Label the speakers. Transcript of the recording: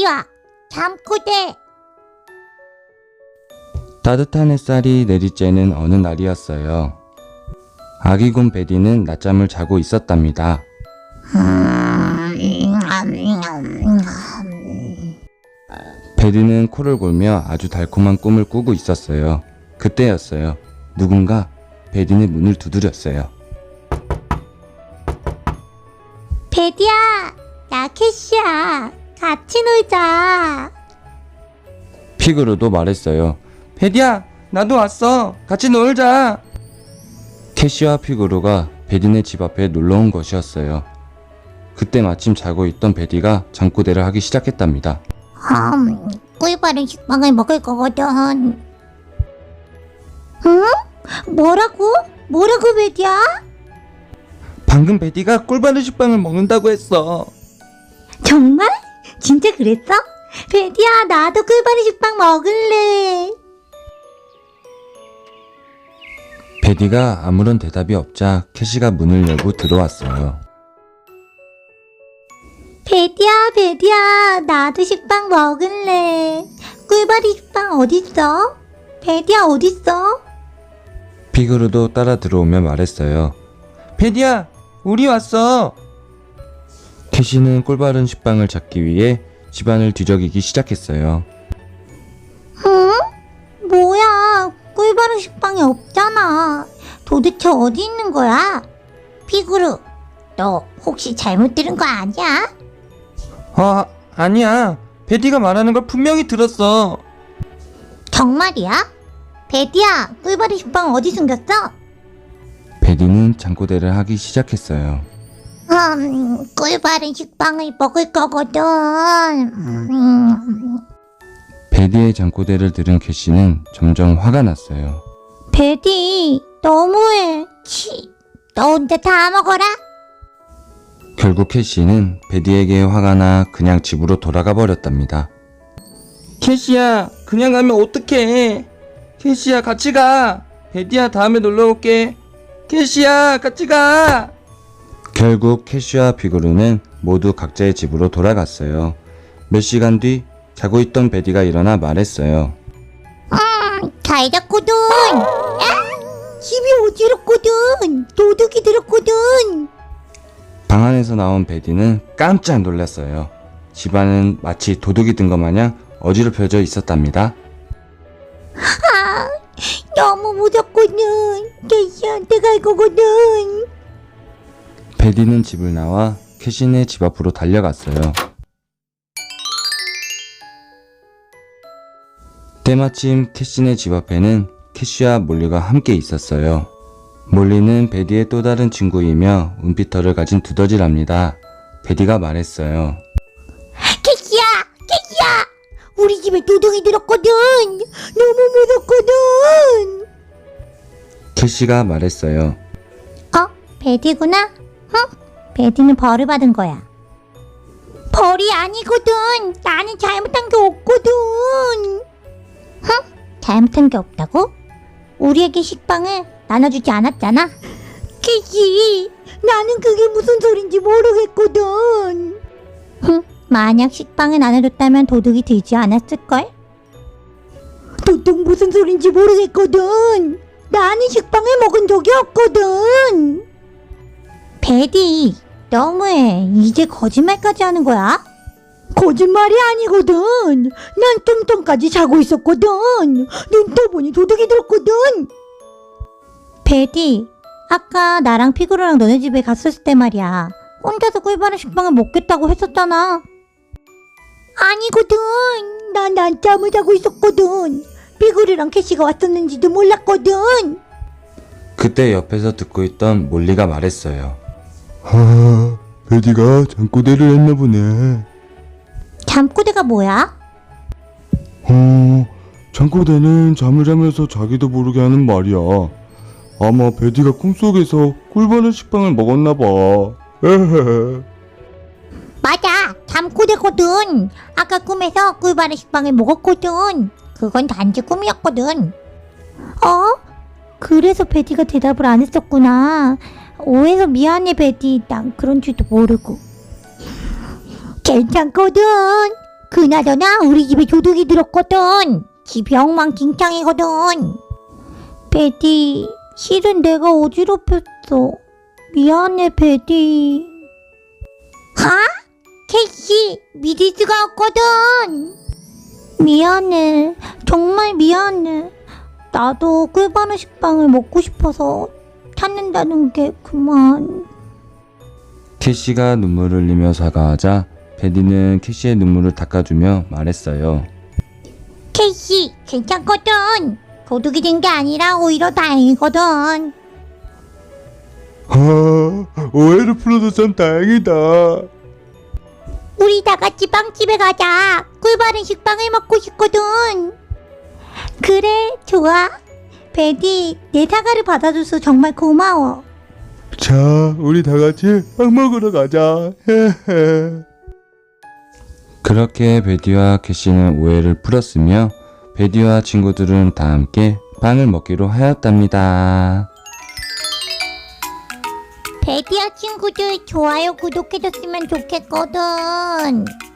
Speaker 1: 베디와 잠꼬대.
Speaker 2: 따뜻한 햇살이 내리쬐는 어느 날이었어요. 아기곰 베디는 낮잠을 자고 있었답니다. 베디는 코를 골며 아주 달콤한 꿈을 꾸고 있었어요. 그때였어요. 누군가 베디의 문을 두드렸어요.
Speaker 1: 베디야, 나 캐시야. 같이 놀자.
Speaker 2: 피그루도 말했어요. 베디야, 나도 왔어. 같이 놀자. 캐시와 피그루가 베디네 집 앞에 놀러온 것이었어요. 그때 마침 자고 있던 베디가 잠꼬대를 하기 시작했답니다.
Speaker 1: 꿀바른 식빵을 먹을 거거든. 응? 뭐라고? 뭐라고 베디야?
Speaker 2: 방금 베디가 꿀바른 식빵을 먹는다고 했어.
Speaker 1: 정말? 진짜 그랬어? 베디야, 나도 꿀바른 식빵 먹을래.
Speaker 2: 베디가 아무런 대답이 없자 캐시가 문을 열고 들어왔어요.
Speaker 1: 베디야, 나도 식빵 먹을래. 꿀바른 식빵 어딨어? 베디야, 어딨어?
Speaker 2: 피그루도 따라 들어오며 말했어요. 베디야, 우리 왔어. 캐시는 꿀바른 식빵을 찾기 위해 집안을 뒤적이기 시작했어요.
Speaker 1: 응? 뭐야, 꿀바른 식빵이 없잖아. 도대체 어디 있는 거야? 피그루, 너 혹시 잘못 들은 거 아니야?
Speaker 2: 아니야. 베디가 말하는 걸 분명히 들었어.
Speaker 1: 정말이야? 베디야, 꿀바른 식빵 어디 숨겼어?
Speaker 2: 베디는 잠꼬대를 하기 시작했어요.
Speaker 1: 꿀바른 식빵을 먹을 거거든.
Speaker 2: 베디의 잠꼬대를 들은 캐시는 점점 화가 났어요.
Speaker 1: 베디, 너무해. 너 혼자 다 먹어라.
Speaker 2: 결국 캐시는 베디에게 화가 나 그냥 집으로 돌아가 버렸답니다. 캐시야, 그냥 가면 어떡해. 캐시야, 같이 가. 베디야, 다음에 놀러 올게. 캐시야, 같이 가. 결국 캐시와 피그루는 모두 각자의 집으로 돌아갔어요. 몇 시간 뒤 자고 있던 베디가 일어나 말했어요.
Speaker 1: 잘 잤거든. 집이 어지럽거든. 도둑이 들었거든.
Speaker 2: 방 안에서 나온 베디는 깜짝 놀랐어요. 집안은 마치 도둑이 든 것 마냥 어지럽혀져 있었답니다.
Speaker 1: 너무 무섭거든. 캐시한테 갈 거거든.
Speaker 2: 베디는 집을 나와 캐시네 집 앞으로 달려갔어요. 때마침 캐시네 집 앞에는 캐시와 몰리가 함께 있었어요. 몰리는 베디의 또 다른 친구이며 은피터를 가진 두더지랍니다. 베디가 말했어요.
Speaker 1: 캐시야, 우리 집에 도둑이 들었거든. 너무 무섭거든.
Speaker 2: 캐시가 말했어요.
Speaker 1: 베디구나? 베디는 벌을 받은 거야. 벌이 아니거든. 나는 잘못한 게 없거든. 잘못한 게 없다고? 우리에게 식빵을 나눠주지 않았잖아. 캐시, 나는 그게 무슨 소린지 모르겠거든. 만약 식빵을 나눠줬다면 도둑이 들지 않았을걸? 도둑 무슨 소린지 모르겠거든. 나는 식빵을 먹은 적이 없거든. 베디, 너무해. 이제 거짓말까지 하는 거야? 거짓말이 아니거든. 난 좀 전까지 자고 있었거든. 눈 떠보니 도둑이 들었거든. 베디, 아까 나랑 피그루랑 너네 집에 갔었을 때 말이야. 혼자서 꿀바른 식빵을 먹겠다고 했었잖아. 아니거든. 난 낮잠을 자고 있었거든. 피그루랑 캐시가 왔었는지도 몰랐거든.
Speaker 2: 그때 옆에서 듣고 있던 몰리가 말했어요. 베디가 잠꼬대를 했나 보네.
Speaker 1: 잠꼬대가 뭐야?
Speaker 2: 잠꼬대는 잠을 자면서 자기도 모르게 하는 말이야. 아마 베디가 꿈속에서 꿀바른 식빵을 먹었나 봐.
Speaker 1: 맞아, 잠꼬대거든. 아까 꿈에서 꿀바른 식빵을 먹었거든. 그건 단지 꿈이었거든. 그래서 베디가 대답을 안 했었구나. 오해서 미안해 베디. 난 그런 줄도 모르고. 괜찮거든. 그나저나 우리 집에 도둑이 들었거든. 집이 엉망진창이거든. 베디, 실은 내가 어지럽혔어. 미안해, 베디. 캐시, 믿을 수가 없거든. 미안해. 정말 미안해. 나도 꿀바른 식빵을 먹고 싶어서 찾는다는 게 그만.
Speaker 2: 캐시가 눈물을 흘리며 사과하자 베디는 캐시의 눈물을 닦아주며 말했어요.
Speaker 1: 캐시, 괜찮거든. 도둑이 된 게 아니라 오히려 다행이거든.
Speaker 2: 오해를 풀어서 참 다행이다.
Speaker 1: 우리 다 같이 빵집에 가자. 꿀바른 식빵을 먹고 싶거든. 그래, 좋아. 베디, 내 사과를 받아줘서 정말 고마워.
Speaker 2: 자, 우리 다 같이 빵 먹으러 가자. 그렇게 베디와 캐시는 오해를 풀었으며 베디와 친구들은 다 함께 빵을 먹기로 하였답니다.
Speaker 1: 베디와 친구들 좋아요, 구독해줬으면 좋겠거든.